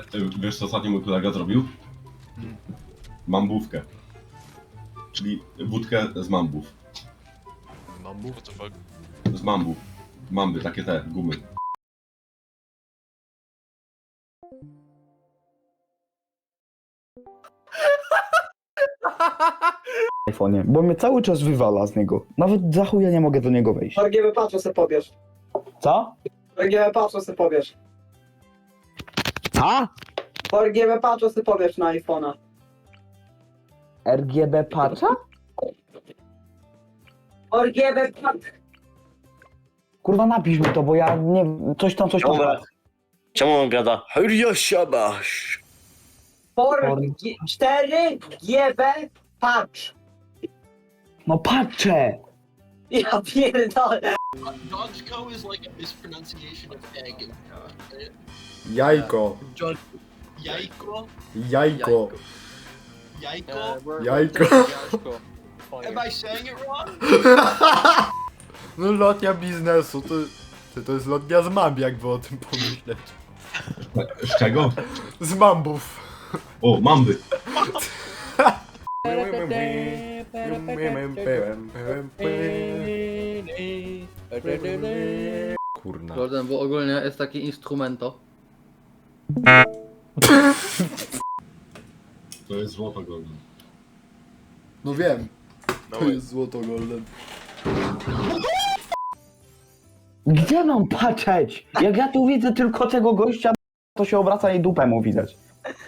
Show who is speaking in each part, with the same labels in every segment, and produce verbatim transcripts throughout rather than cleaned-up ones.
Speaker 1: wiesz co ostatnio mój kolega zrobił? Mambówkę. Czyli wódkę z mambów.
Speaker 2: Mambu? What the fuck?
Speaker 1: Z mambów. Mamby, takie te, gumy.
Speaker 3: iPhone'ie, bo mnie cały czas wywala z niego. Nawet za chuja nie mogę do niego wejść.
Speaker 4: R G B patrz, se pobierz.
Speaker 3: Co?
Speaker 4: R G B patrz, se pobierz.
Speaker 3: Co?
Speaker 4: R G B patrz, se pobierz na iPhone'a.
Speaker 3: R G B patcha?
Speaker 4: R G B patrz.
Speaker 3: Kurwa napisz mi to, bo ja nie... coś tam, coś tam...
Speaker 5: Dobra. Czemu on gada? Hurja siabasz.
Speaker 4: cztery G B patrz.
Speaker 3: No patrzę!
Speaker 4: Ja pierdolę.
Speaker 2: Dodgeco is like a mispronunciation of egg.
Speaker 6: Jajko.
Speaker 2: Jajko?
Speaker 6: Jajko.
Speaker 2: Jajko?
Speaker 6: Jajko.
Speaker 2: Am I saying it wrong?
Speaker 6: No lotnia biznesu, to, to, to jest lotnia z mamb, jakby o tym pomyśleć.
Speaker 1: Z czego?
Speaker 6: Z mambów.
Speaker 1: O, mamby.
Speaker 6: Kurna.
Speaker 7: Golden, bo ogólnie jest taki instrumento.
Speaker 1: To jest złoto golden.
Speaker 6: No wiem. To jest złoto golden.
Speaker 3: Gdzie mam patrzeć? Jak ja tu widzę tylko tego gościa, to się obraca i dupę mu widać.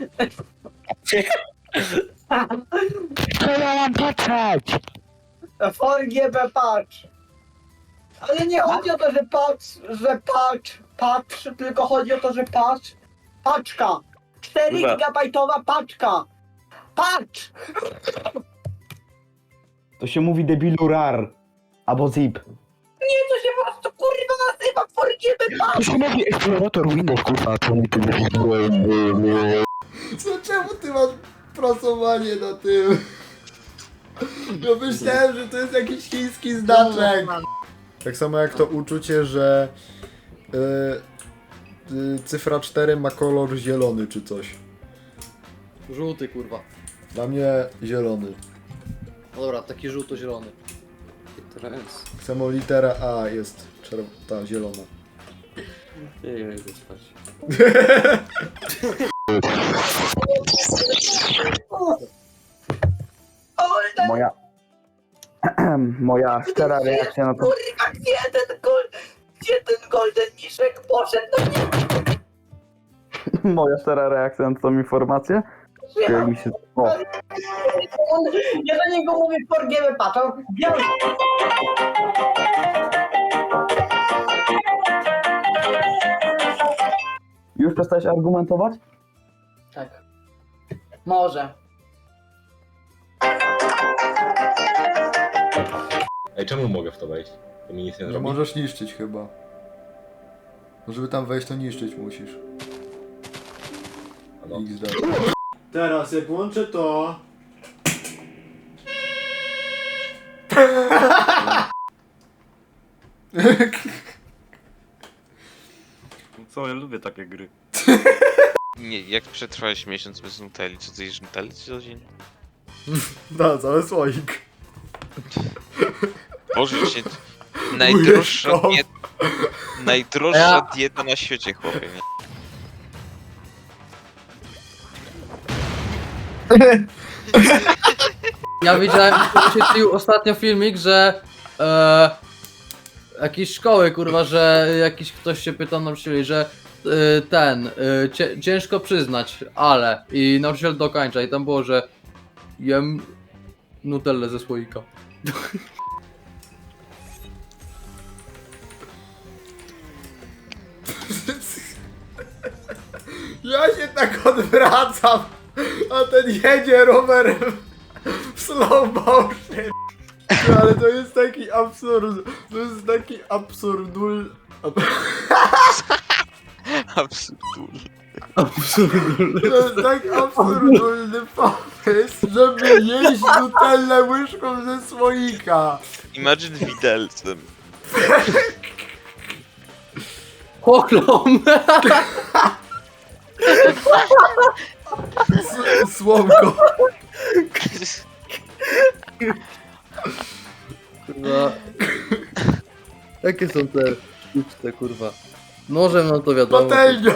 Speaker 3: Co ja mam patrzeć?
Speaker 4: R G B patrz. Ale nie chodzi o to, że patrz, że patrz, patrz, tylko chodzi o to, że patrz. Paczka. cztery
Speaker 5: Dobra.
Speaker 4: gigabajtowa paczka. Patrz.
Speaker 3: To się mówi debilu rar. Albo zip.
Speaker 4: Nie, to się po prostu kurwa nazywa R G B
Speaker 3: To
Speaker 4: patrz.
Speaker 3: się mówi eksplorator Windows, kurwa, to mi tu
Speaker 6: Co, czemu ty masz prasowanie na tym? No myślałem, że to jest jakiś chiński znaczek. Tak samo jak to uczucie, że y, y, cyfra cztery ma kolor zielony czy coś.
Speaker 7: Żółty kurwa.
Speaker 6: Dla mnie zielony.
Speaker 7: No dobra, taki żółto-zielony.
Speaker 6: Samo litera A jest czerw- ta zielona.
Speaker 5: Nie, nie, idę spać.
Speaker 4: Golden,
Speaker 3: Moja... Moja szczera reakcja na to...
Speaker 4: kurwa, gdzie ten golden, gdzie ten golden miszek poszedł? No nie,
Speaker 3: Moja szczera reakcja na tą informację? Jak mi się... O,
Speaker 4: on, ja do niego mówię R G B patrz. on- Ja...
Speaker 3: już przestałeś argumentować?
Speaker 4: Tak. Może.
Speaker 1: Ej, czemu mogę w to wejść? To mi nic nie
Speaker 6: Nie
Speaker 1: zrobi.
Speaker 6: możesz niszczyć chyba. No żeby tam wejść, to niszczyć musisz.
Speaker 1: A no.
Speaker 6: X D. Teraz jak włączę to...
Speaker 5: Co, ja lubię takie gry.
Speaker 8: Nie, jak przetrwałeś miesiąc bez Nutelli? Co ty jesz Nutelli co dzień?
Speaker 6: Da, cały słoik.
Speaker 8: Boże się... Najdroższa
Speaker 6: Łyżką.
Speaker 8: dieta... Najdroższa dieta na świecie, chłopie, nie?
Speaker 7: Ja widziałem, wyświetlił ostatnio filmik, że e, jakieś szkoły kurwa, że jakiś ktoś się pytał nauczycieli, że e, ten, e, cie, ciężko przyznać, ale i nauczyciel dokończa i tam było, że jem nutellę ze słoika.
Speaker 6: Ja się tak odwracam, a ten jedzie rowerem w slow motion. No, ale to jest taki absurd, to jest taki absurdul... Ab...
Speaker 8: Absurdulny.
Speaker 6: To jest tak absurdulny pomysł, żeby jeść nutellę łyżką ze słoika.
Speaker 8: Imagine widelcem.
Speaker 7: Pogląd!
Speaker 6: S- Słomko.
Speaker 7: Kurwa. Jakie są te sztuczne, kurwa? Nożem no to wiadomo.
Speaker 6: Patelnia.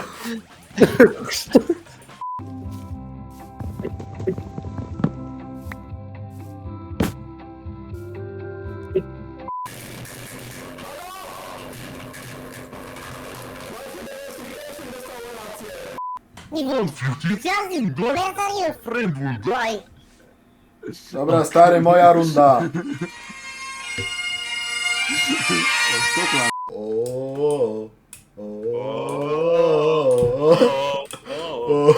Speaker 6: Dobra, stary, moja runda. O, o, o.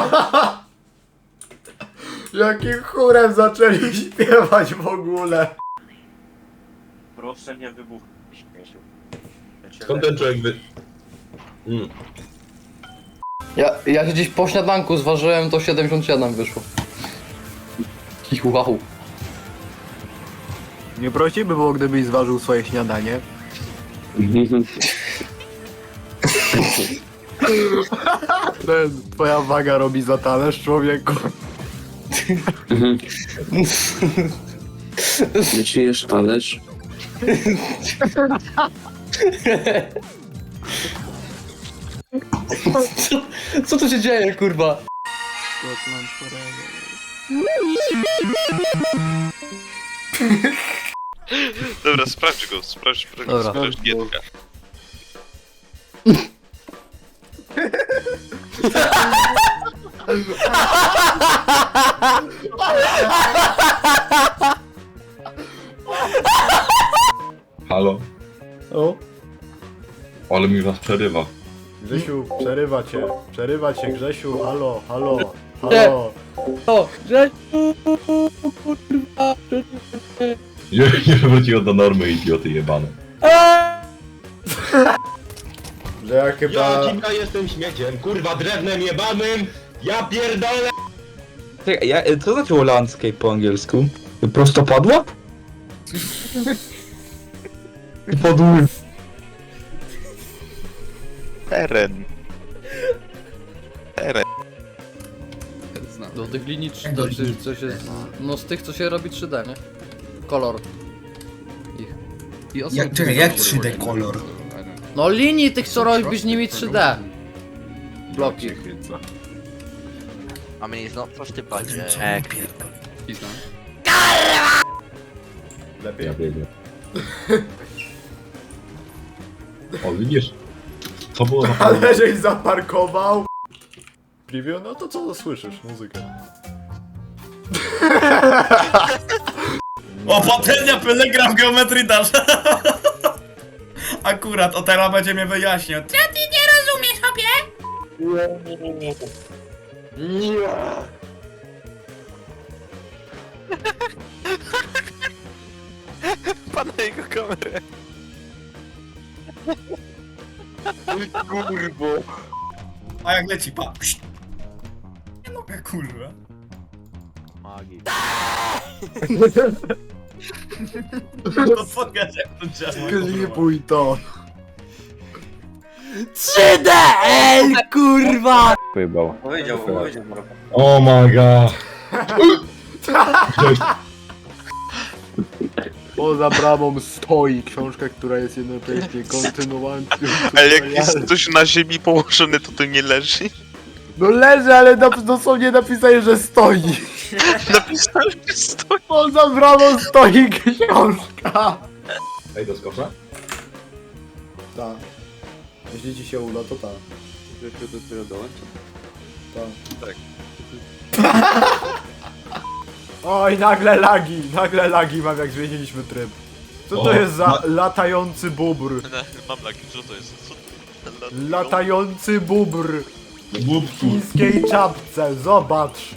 Speaker 6: Jakim chórem zaczęli śpiewać w ogóle?
Speaker 5: Proszę nie wybuch.
Speaker 1: Skąd ten człowiek wy... Mm.
Speaker 7: Ja, ja się gdzieś po śniadanku zważyłem, to siedemdziesiąt siedem wyszło. I wow.
Speaker 9: Nie prościej by było, gdybyś zważył swoje śniadanie. Ten, twoja waga robi za talerz, człowieku.
Speaker 5: Nie czujesz talerz?
Speaker 7: Co, co tu się dzieje, kurwa?
Speaker 8: Dobra, sprawdź go, sprawdź, sprawdź,
Speaker 7: Dobra.
Speaker 8: sprawdź Gietka.
Speaker 1: Halo?
Speaker 6: O,
Speaker 1: Ale mi was przerywa.
Speaker 6: Grzesiu, przerywa cię, przerywa cię, Grzesiu, halo, halo, halo.
Speaker 7: O, że...
Speaker 1: Nie, nie wróciło do normy, idioty jebane.
Speaker 6: Że ja chyba...
Speaker 10: Ja jestem śmieciem, kurwa drewnem jebanym, ja pierdolę!
Speaker 9: Czekaj, ja, co znaczyło landscape po angielsku? Prostopadła? Podły.
Speaker 8: Teren. Teren.
Speaker 7: Do tych linii trzy D, czy coś jest... No z tych, co się robi trzy D, nie? Kolor. Ich. I
Speaker 10: Jak, czekaj, jak trzy D kolor?
Speaker 7: No linii tych, co robisz nimi trzy D. Bloki.
Speaker 2: I mean, he's not first to budget.
Speaker 6: Lepiej?
Speaker 1: Ja biegnę. O, widzisz? Co było za
Speaker 6: Ale żeś zaparkował. Preview? No to co słyszysz? Muzykę.
Speaker 10: O, patelnia Pelegram Geometry Dash! Akurat, o teraz będzie mnie wyjaśniał. Co ty nie rozumiesz, hopie?
Speaker 8: Pan na jego kamerę. Kurwo.
Speaker 10: A jak leci, pa. Pszt. Nie mogę, kurwa.
Speaker 2: Magii.
Speaker 10: No pokaż jak to działa.
Speaker 6: Klipuj to.
Speaker 7: trzy D L, kurwa!
Speaker 5: Powiedział, powiedział.
Speaker 1: Oh my god. Gdzieś...
Speaker 6: Poza bramą stoi książka, która jest jednocześnie kontynuacją.
Speaker 8: Ale jak jest ktoś na ziemi położony, to to nie leży?
Speaker 6: No leży, ale nap- dosłownie napisali, że stoi.
Speaker 8: Napisałem, że stoi.
Speaker 6: Poza bramą stoi książka.
Speaker 1: Ej, doskoczę?
Speaker 6: Tak. Jeśli ci się uda, to tak. Tak. Oj, nagle lagi, nagle lagi mam, jak zmieniliśmy tryb. Co to
Speaker 1: O,
Speaker 6: jest za
Speaker 1: ma-
Speaker 6: latający bóbr?
Speaker 8: Mam lagi, co to jest? Co to jest?
Speaker 6: Latający bóbr
Speaker 1: No
Speaker 6: w
Speaker 1: głupku.
Speaker 6: chińskiej czapce, zobacz.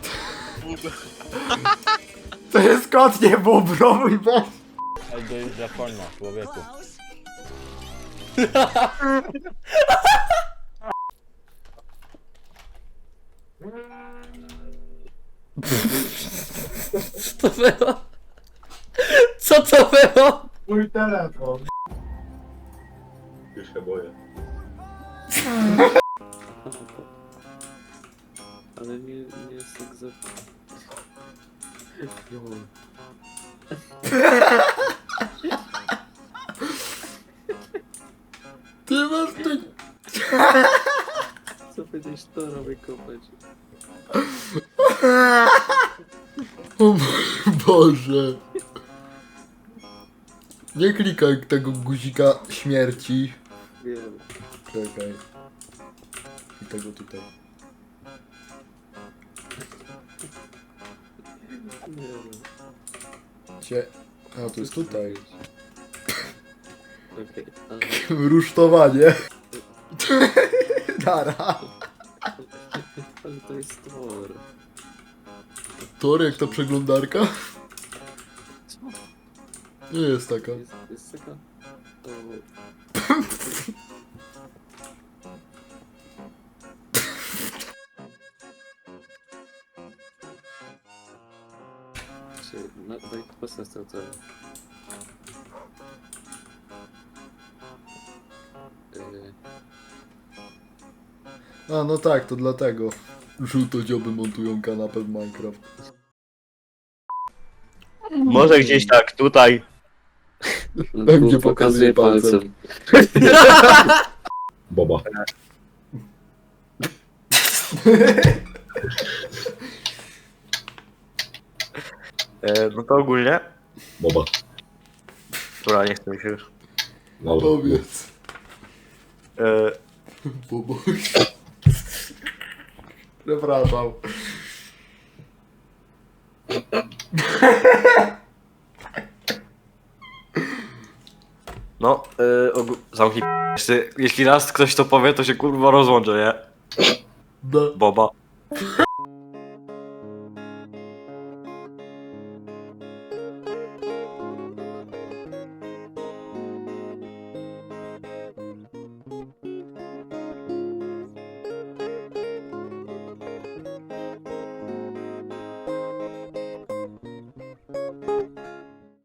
Speaker 6: To jest kot, nie bóbr, o mój Boże.
Speaker 5: To jest Japonia, człowieku.
Speaker 7: Co to było? Co to było?
Speaker 6: Mój telefon.
Speaker 1: Już się boję.
Speaker 5: Ale nie, nie jest tak za... Jo.
Speaker 6: Ty masz ty...
Speaker 5: Co będziesz to robić kopać?
Speaker 6: O mój Boże. Nie klikaj tego guzika śmierci.
Speaker 5: Wiem.
Speaker 6: Czekaj. I tego tutaj.
Speaker 5: Nie wiem.
Speaker 6: Cie... A, to jest tutaj.
Speaker 5: Okej, ale...
Speaker 6: Rusztowanie. Dara.
Speaker 5: ale to jest tor.
Speaker 6: Tor jak ta przeglądarka?
Speaker 5: Co?
Speaker 6: Nie jest taka.
Speaker 5: Jest, jest taka... O... Czy... No, daj pasę z tego. Yy...
Speaker 6: A, no tak, to dlatego. Żółtodzioby montują kanapę w Minecraft.
Speaker 5: Może gdzieś tak, tutaj.
Speaker 6: Gdzie pokazuje palcem.
Speaker 1: Boba.
Speaker 5: E, no to ogólnie.
Speaker 1: Boba.
Speaker 5: Dobra, nie chcę mi się już.
Speaker 1: Dobra.
Speaker 6: Powiedz.
Speaker 5: E,
Speaker 6: Bobo. Przepraszam.
Speaker 5: no, e, ogó- zamknij p***. Jeśli, jeśli raz ktoś to powie, to się kurwa rozłączę, nie?
Speaker 6: Da.
Speaker 5: Boba.